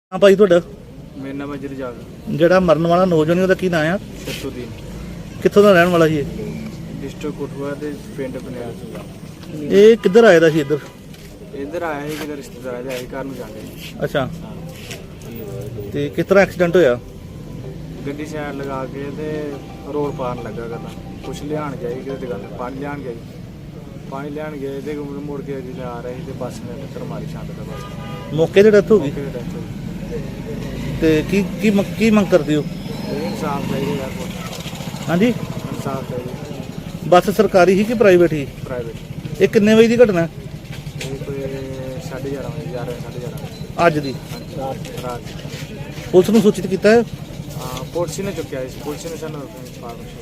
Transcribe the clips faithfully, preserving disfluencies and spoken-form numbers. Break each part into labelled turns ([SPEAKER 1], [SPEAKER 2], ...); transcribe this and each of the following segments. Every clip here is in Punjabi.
[SPEAKER 1] हाँ भाई ਤੁਹਾਡਾ
[SPEAKER 2] ਮੇਰਾ ਨਾਮ ਅਜਰ ਜਾਗ
[SPEAKER 1] ਜਿਹੜਾ ਮਰਨ ਵਾਲਾ ਨੌਜਵਾਨ ਉਹਦਾ ਕੀ ਨਾਂ ਆ?
[SPEAKER 2] ਸ਼ਤੂਦੀਨ
[SPEAKER 1] ਕਿੱਥੋਂ ਦਾ ਰਹਿਣ ਵਾਲਾ ਸੀ ਇਹ?
[SPEAKER 2] ਡਿਸਟ੍ਰਿਕਟ ਕੋਟਵਾ ਦੇ ਪਿੰਡ ਬਨਿਆਲ ਸਿੰਘ।
[SPEAKER 1] ਇਹ ਕਿੱਧਰ ਆਇਆ ਦਾ ਸੀ ਇੱਧਰ?
[SPEAKER 2] ਇੱਧਰ ਆਇਆ ਸੀ ਕਿਤੇ ਰਿਸ਼ਤੇਦਾਰਾਂ ਦੇ ਆਏ ਘਰ ਨੂੰ ਜਾਂਦੇ ਸੀ।
[SPEAKER 1] ਅੱਛਾ, ਤੇ ਕਿਸ ਤਰ੍ਹਾਂ ਐਕਸੀਡੈਂਟ ਹੋਇਆ?
[SPEAKER 2] ਗੱਡੀ ਸਾਈਡ ਲਗਾ ਕੇ ਤੇ ਰੋਡ ਪਾਰ ਲੱਗਾ ਕਰਦਾ ਕੁਛ ਲਿਆਣ ਗਿਆ ਸੀ ਕਿਤੇ ਦੁਕਾਨ ਪਾਣੀ ਲਿਆਣ ਗਿਆ ਸੀ। ਪਾਣੀ ਲਿਆਣ ਗਏ ਤੇ ਮੁੜ ਕੇ ਜਿੱਦਾਂ ਆ ਰਹੇ ਸੀ ਤੇ ਬੱਸ ਨੇ ਟੱਕਰ ਮਾਰੀ ਛੱਡ ਦਾ ਬੱਸ
[SPEAKER 1] ਮੌਕੇ ਤੇ ਡੈਥ ਹੋ ਗਈ।
[SPEAKER 2] ਮੌਕੇ ਤੇ death ਹੋ ਗਈ।
[SPEAKER 1] ਤੇ ਕੀ ਕੀ ਮੰਗ- ਕੀ ਮੰਗ ਕਰਦੇ ਹੋ?
[SPEAKER 2] ਇਹ ਇਨਸਾਫ ਚਾਹੀਦਾ ਯਾਰ ਕੋਲ
[SPEAKER 1] ਹਾਂਜੀ,
[SPEAKER 2] ਇਨਸਾਫ ਚਾਹੀਦਾ।
[SPEAKER 1] ਬੱਸ ਸਰਕਾਰੀ ਸੀ ਕਿ ਪ੍ਰਾਈਵੇਟ ਸੀ?
[SPEAKER 2] ਪ੍ਰਾਈਵੇਟ
[SPEAKER 1] ਇਹ ਕਿੰਨੇ ਵਜੇ ਦੀ ਘਟਨਾ ਹੈ?
[SPEAKER 2] ਇਹ ਕੋਈ ਸਾਢੇ ਗਿਆਰਾਂ ਵਜੇ ਗਿਆਰਾਂ ਸਾਢੇ ਗਿਆਰਾਂ
[SPEAKER 1] ਅੱਜ ਦੀ?
[SPEAKER 2] ਵਜੇ ਰਾਤ
[SPEAKER 1] ਪੁਲਿਸ ਨੂੰ ਸੂਚਿਤ ਕੀਤਾ ਹੈ?
[SPEAKER 2] ਹਾਂ ਪੁਲਿਸ ਨੇ ਚੁੱਕਿਆ ਸੀ। ਪੁਲਿਸ ਨੇ ਸਾਨੂੰ ਇਨਫਾਰਮੇਸ਼ਨ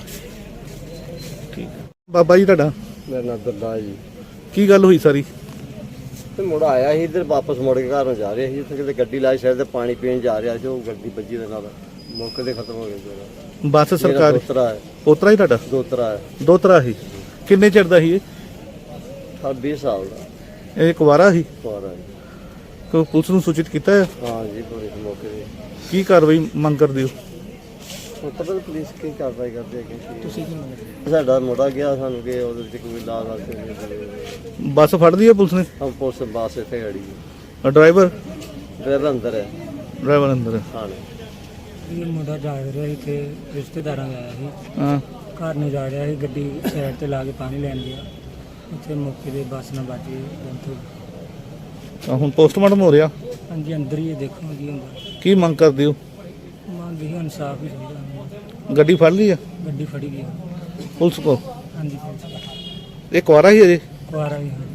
[SPEAKER 1] ਠੀਕ ਹੈ। ਬਾਬਾ ਜੀ ਤੁਹਾਡਾ
[SPEAKER 3] ਮੇਰਾ ਨਾਮ ਦਰਦਾ ਜੀ।
[SPEAKER 1] ਕੀ ਗੱਲ ਹੋਈ ਸਾਰੀ?
[SPEAKER 3] ਤੇ ਮੁੜ ਆਇਆ ਸੀ ਇੱਧਰ ਵਾਪਸ ਮੁੜ ਕੇ ਘਰ ਨੂੰ ਜਾ ਰਿਹਾ ਸੀ। ਇੱਥੇ ਕਿਤੇ ਗੱਡੀ ਲਾਈ ਸ਼ਾਇਦ ਤੇ ਪਾਣੀ ਪੀਣ ਜਾ ਰਿਹਾ ਸੀ। ਉਹ ਗੱਡੀ ਵੱਜੀ ਦੇ ਨਾਲ ਮੌਕੇ ਤੇ ਖਤਮ ਹੋ ਗਿਆ ਜਰਾ।
[SPEAKER 1] ਬੱਸ ਸਰਕਾਰੀ?
[SPEAKER 3] ਦੋਤਰਾ ਹੈ।
[SPEAKER 1] ਪੋਤਰਾ ਹੀ ਤੁਹਾਡਾ?
[SPEAKER 3] ਦੋਤਰਾ ਹੈ।
[SPEAKER 1] ਦੋਤਰਾ ਸੀ? ਕਿੰਨੇ ਚਿਰ ਦਾ ਸੀ ਇਹ?
[SPEAKER 3] ਅਠਾਰਾਂ ਵੀਹ ਸਾਲ ਦਾ
[SPEAKER 1] ਇਹ ਕੁਵਾਰਾ ਸੀ?
[SPEAKER 3] ਕੁਆਰਾ ਹੈ।
[SPEAKER 1] ਕੋਈ ਪੁਲਿਸ ਨੂੰ ਸੂਚਿਤ ਕੀਤਾ ਹੈ?
[SPEAKER 3] ਹਾਂ ਜੀ ਪੁਲਿਸ ਮੌਕੇ ਤੇ।
[SPEAKER 1] ਕੀ ਕਾਰਵਾਈ ਮੰਗ ਕਰਦੇ ਹੋ?
[SPEAKER 3] ਹੁਣ ਪਤਾ ਨੀ ਪੁਲਿਸ ਕੀ ਕਾਰਵਾਈ ਕਰਦੀ ਹੈ ਕਿ ਤੁਸੀਂ ਕੀ ਮੰਗਦੇ? ਸਾਡਾ ਮੁੰਡਾ ਗਿਆ ਸਾਨੂੰ ਕਿ ਉਹਦੇ ਵਿੱਚ ਕੋਈ ਲਾ ਲਾ ਕੇ
[SPEAKER 1] ਬੱਸ ਫੜ ਲਈ ਹੈ ਪੁਲਿਸ ਨੇ?
[SPEAKER 3] ਹਮ ਪੁਲਿਸ ਬਾਸ ਇੱਥੇ ਖੜੀ ਹੈ।
[SPEAKER 1] ਡਰਾਈਵਰ?
[SPEAKER 3] ਡਰਾਈਵਰ ਅੰਦਰ ਹੈ।
[SPEAKER 1] ਡਰਾਈਵਰ ਅੰਦਰ ਹੈ।
[SPEAKER 3] ਹਾਂ
[SPEAKER 4] ਇਹ ਮੁੰਡਾ ਜਾ ਰਿਹਾ ਸੀ ਤੇ ਰਿਸ਼ਤੇਦਾਰਾਂ ਦਾ ਆਇਆ ਸੀ।
[SPEAKER 1] ਹਾਂ,
[SPEAKER 4] ਘਰ ਨੂੰ ਜਾ ਰਿਹਾ ਸੀ, ਗੱਡੀ ਸਾਈਡ ਤੇ ਲਾ ਕੇ ਪਾਣੀ ਲੈਣ ਗਿਆ। ਉੱਥੇ ਮੌਕੇ ਤੇ ਬੱਸ ਨਾਲ ਵੱਜ ਗਈ ਡੈਥ ਹੋ ਗਈ।
[SPEAKER 1] ਤਾਂ ਹੁਣ ਪੋਸਟਮਾਰਟਮ ਹੋ ਰਿਹਾ।
[SPEAKER 4] ਹਾਂਜੀ ਅੰਦਰ ਹੀ ਇਹ ਦੇਖੋ ਕੀ ਹੁੰਦਾ।
[SPEAKER 1] ਕੀ ਮੰਗ ਕਰਦੇ ਹੋ?
[SPEAKER 4] ਮੰਗ ਇਹ ਇਨਸਾਫ ਹੀ ਚਾਹੀਦਾ ਸਾਨੂੰ।
[SPEAKER 1] ਗੱਡੀ ਫੜ ਲਈ ਆ
[SPEAKER 4] ਗੱਡੀ ਫੜੀ ਗਈ।
[SPEAKER 1] ਪੁਲਿਸ ਕੋ?
[SPEAKER 4] ਹਾਂਜੀ ਪੁਲਿਸ
[SPEAKER 1] ਇਹ ਕੁਆਰਾ ਹੀ ਅਜੇ?
[SPEAKER 4] ਕੁਆਰਾ ਵੀ ਹੈ।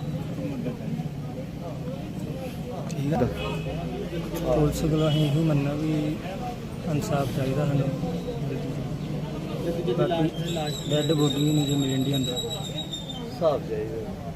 [SPEAKER 4] ਠੀਕ ਹੈ। ਪੁਲਿਸ ਕੋਲ ਅਸੀਂ ਇਹੋ ਮੰਨਣਾ ਵੀ ਇਨਸਾਫ ਚਾਹੀਦਾ ਸਾਨੂੰ। ਬਾਕੀ ਡੈਡ ਬੋਡੀ ਵੀ ਨਹੀਂ ਜੇ ਮਿਲਣ ਦੀ ਅੰਦਰ।
[SPEAKER 3] ਹਿਸਾਬ ਚਾਹੀਦਾ।